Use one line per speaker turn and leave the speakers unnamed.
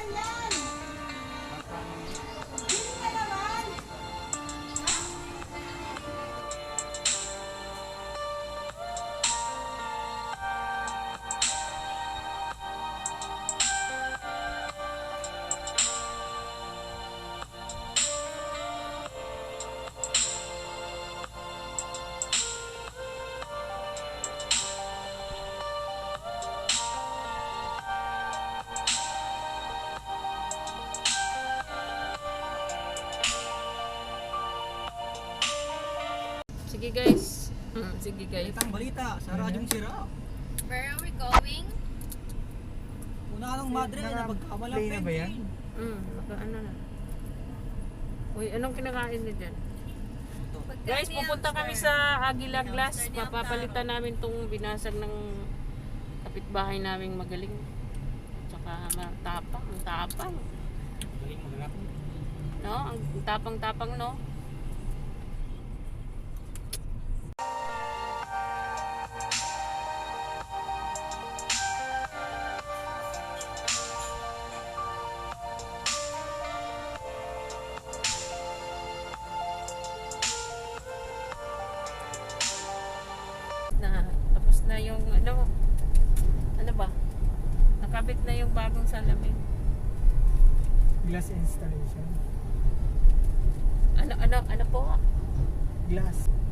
Sige guys. Sige guys.
Balitang balita sa Radyong Sira.
Where are we going?
Una ka ng madre na pagkamalang
play na ba yan?
Ano na. Uy, anong kinakain niyo dyan?
Pagka
Guys, pupunta kami sa Aguila Glass.
Hamster,
Papapalitan namin tong binasag ng kapitbahay naming magaling. Tsaka matapang, ang tapang.
Galing mo na.
No? Ang tapang-tapang, no? Tapos na yung ano ba? Nakabit na yung bagong salamin.
Glass installation.
Ano po?
Glass.